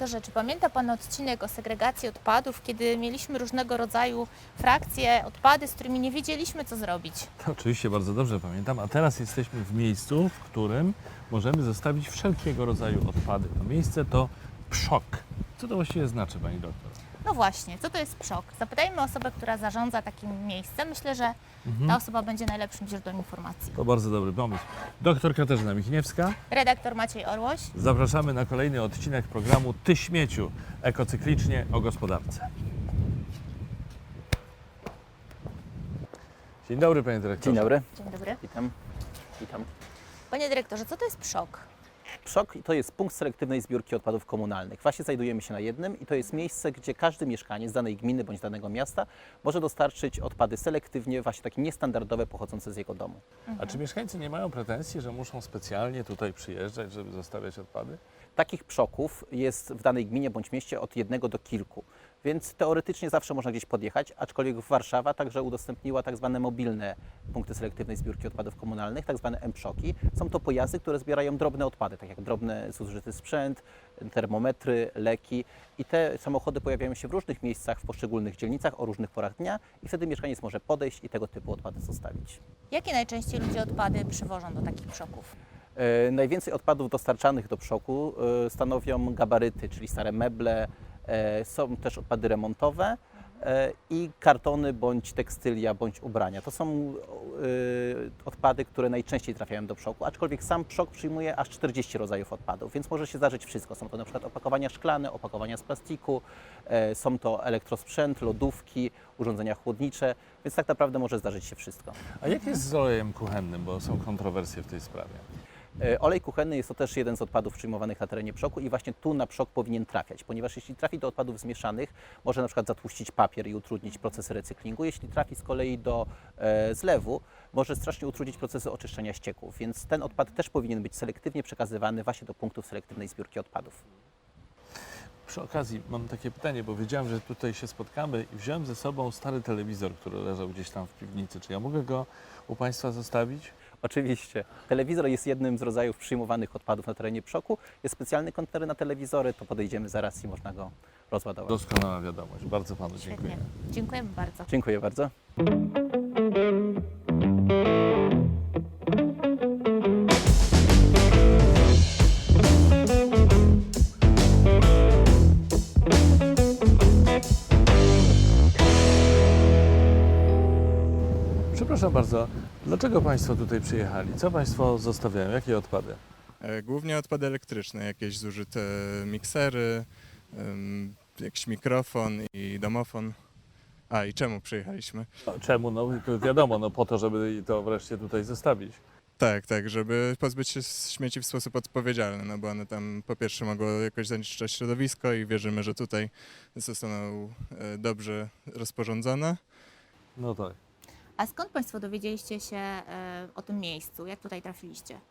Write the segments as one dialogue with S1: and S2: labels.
S1: dyrektorze, czy pamięta Pan odcinek o segregacji odpadów, kiedy mieliśmy różnego rodzaju frakcje, odpady, z którymi nie wiedzieliśmy, co zrobić?
S2: To oczywiście bardzo dobrze pamiętam, a teraz jesteśmy w miejscu, w którym możemy zostawić wszelkiego rodzaju odpady. To miejsce to PSZOK. Co to właściwie znaczy, Pani doktor?
S1: No właśnie, co to jest PSZOK? Zapytajmy osobę, która zarządza takim miejscem. Myślę, że ta osoba będzie najlepszym źródłem informacji.
S2: To bardzo dobry pomysł. Doktor Katarzyna Michniewska.
S1: Redaktor Maciej Orłoś.
S2: Zapraszamy na kolejny odcinek programu Ty śmieciu, ekocyklicznie o gospodarce. Dzień dobry, Panie Dyrektorze.
S3: Dzień dobry,
S1: Dzień dobry.
S3: witam. Witam.
S1: Panie dyrektorze, co to jest PSZOK?
S3: PSZOK to jest punkt selektywnej zbiórki odpadów komunalnych. Właśnie znajdujemy się na jednym i to jest miejsce, gdzie każdy mieszkaniec danej gminy bądź danego miasta może dostarczyć odpady selektywnie, właśnie takie niestandardowe, pochodzące z jego domu.
S2: A czy mieszkańcy nie mają pretensji, że muszą specjalnie tutaj przyjeżdżać, żeby zostawiać odpady?
S3: Takich PSZOKów jest w danej gminie bądź mieście od 1 do kilku, więc teoretycznie zawsze można gdzieś podjechać, aczkolwiek Warszawa także udostępniła tak zwane mobilne punkty selektywnej zbiórki odpadów komunalnych, tak zwane M-PSZOKi. Są to pojazdy, które zbierają drobne odpady, tak jak drobny zużyty sprzęt, termometry, leki i te samochody pojawiają się w różnych miejscach, w poszczególnych dzielnicach o różnych porach dnia i wtedy mieszkaniec może podejść i tego typu odpady zostawić.
S1: Jakie najczęściej ludzie odpady przywożą do takich PSZOKów?
S3: Najwięcej odpadów dostarczanych do PSZOKu stanowią gabaryty, czyli stare meble, są też odpady remontowe i kartony bądź tekstylia bądź ubrania. To są odpady, które najczęściej trafiają do PSZOKu, aczkolwiek sam PSZOK przyjmuje aż 40 rodzajów odpadów, więc może się zdarzyć wszystko. Są to na przykład opakowania szklane, opakowania z plastiku, są to elektrosprzęt, lodówki, urządzenia chłodnicze, więc tak naprawdę może zdarzyć się wszystko.
S2: A jak jest z olejem kuchennym, bo są kontrowersje w tej sprawie?
S3: Olej kuchenny jest to też jeden z odpadów przyjmowanych na terenie PSZOKu i właśnie tu na PSZOK powinien trafiać, ponieważ jeśli trafi do odpadów zmieszanych, może na przykład zatłuścić papier i utrudnić procesy recyklingu. Jeśli trafi z kolei do zlewu, może strasznie utrudnić procesy oczyszczania ścieków, więc ten odpad też powinien być selektywnie przekazywany właśnie do punktów selektywnej zbiórki odpadów.
S2: Przy okazji mam takie pytanie, bo wiedziałem, że tutaj się spotkamy i wziąłem ze sobą stary telewizor, który leżał gdzieś tam w piwnicy. Czy ja mogę go u Państwa zostawić?
S3: Oczywiście. Telewizor jest jednym z rodzajów przyjmowanych odpadów na terenie PSZOKu. Jest specjalny kontener na telewizory, to podejdziemy zaraz i można go rozładować.
S2: Doskonała wiadomość. Bardzo Panu
S1: Świetnie.
S2: dziękuję.
S1: Dziękujemy bardzo.
S3: Dziękuję bardzo.
S2: Przepraszam bardzo, dlaczego Państwo tutaj przyjechali? Co Państwo zostawiają? Jakie odpady?
S4: Głównie odpady elektryczne, jakieś zużyte miksery, jakiś mikrofon i domofon. A i czemu przyjechaliśmy?
S2: Czemu? No wiadomo, no po to, żeby to wreszcie tutaj zostawić.
S4: Tak, żeby pozbyć się śmieci w sposób odpowiedzialny, no bo one tam po pierwsze mogą jakoś zanieczyszczać środowisko i wierzymy, że tutaj zostaną dobrze rozporządzone.
S2: No tak.
S1: A skąd Państwo dowiedzieliście się o tym miejscu? Jak tutaj trafiliście?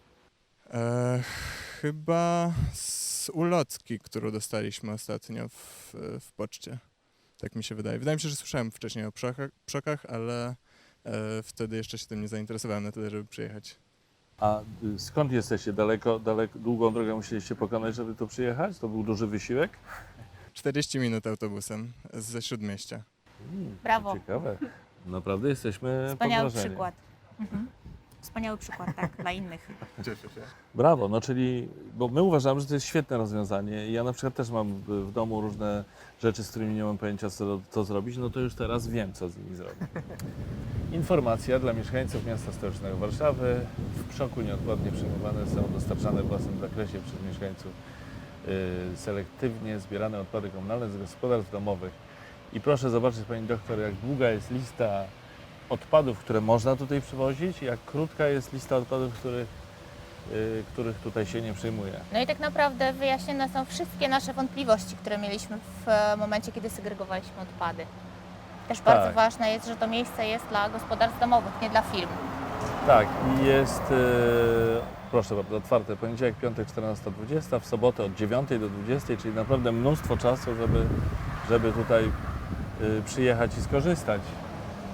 S4: Chyba z ulotki, którą dostaliśmy ostatnio w poczcie. Tak mi się wydaje. Wydaje mi się, że słyszałem wcześniej o PSZOKach, ale wtedy jeszcze się tym nie zainteresowałem na tyle, żeby przyjechać.
S2: A skąd jesteście? Długą drogę musieliście pokonać, żeby tu przyjechać? To był duży wysiłek?
S4: 40 minut autobusem ze Śródmieścia.
S1: Brawo.
S2: Ciekawe. Naprawdę jesteśmy
S1: Wspaniały
S2: pod wrażeniem.
S1: przykład. Wspaniały przykład, tak, dla innych.
S4: Cieszę się.
S2: Brawo, no czyli, bo my uważamy, że to jest świetne rozwiązanie. Ja na przykład też mam w domu różne rzeczy, z którymi nie mam pojęcia, co zrobić, no to już teraz wiem, co z nimi zrobić. Informacja dla mieszkańców miasta stołecznego Warszawy. W PSZOKu nieodpłatnie przyjmowane są dostarczane w własnym zakresie przez mieszkańców selektywnie zbierane odpady komunalne z gospodarstw domowych. I proszę zobaczyć, Pani doktor, jak długa jest lista odpadów, które można tutaj przywozić, jak krótka jest lista odpadów, których tutaj się nie przyjmuje.
S1: No i tak naprawdę wyjaśnione są wszystkie nasze wątpliwości, które mieliśmy w momencie, kiedy segregowaliśmy odpady. Też bardzo ważne jest, że to miejsce jest dla gospodarstw domowych, nie dla firm.
S2: Tak, i jest, proszę bardzo, otwarte poniedziałek, piątek 14:20, w sobotę od 9 do 20, czyli naprawdę mnóstwo czasu, żeby tutaj przyjechać i skorzystać.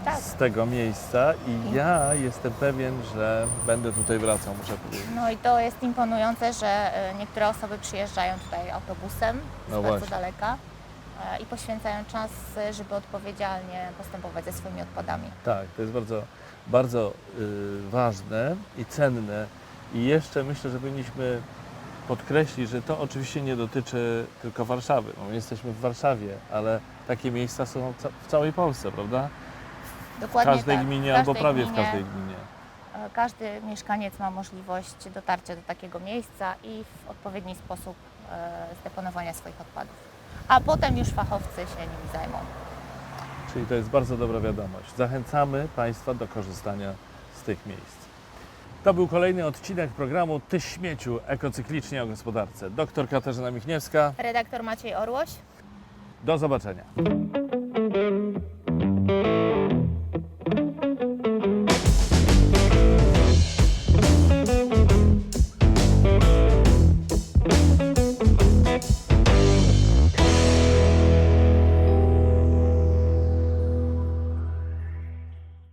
S1: Tak.
S2: z tego miejsca i ja jestem pewien, że będę tutaj wracał, muszę powiedzieć.
S1: No i to jest imponujące, że niektóre osoby przyjeżdżają tutaj autobusem z
S2: No
S1: bardzo
S2: właśnie.
S1: daleka i poświęcają czas, żeby odpowiedzialnie postępować ze swoimi odpadami.
S2: Tak, to jest bardzo, bardzo ważne i cenne. I jeszcze myślę, że powinniśmy podkreślić, że to oczywiście nie dotyczy tylko Warszawy. No, my jesteśmy w Warszawie, ale takie miejsca są w całej Polsce, prawda? W
S1: Dokładnie
S2: każdej
S1: tak.
S2: gminie
S1: W
S2: albo
S1: każdej
S2: prawie w
S1: gminie,
S2: każdej gminie.
S1: Każdy mieszkaniec ma możliwość dotarcia do takiego miejsca i w odpowiedni sposób zdeponowania swoich odpadów. A potem już fachowcy się nimi zajmą.
S2: Czyli to jest bardzo dobra wiadomość. Zachęcamy Państwa do korzystania z tych miejsc. To był kolejny odcinek programu Ty śmieciu, ekocyklicznie o gospodarce. Doktor Katarzyna Michniewska.
S1: Redaktor Maciej Orłoś.
S2: Do zobaczenia.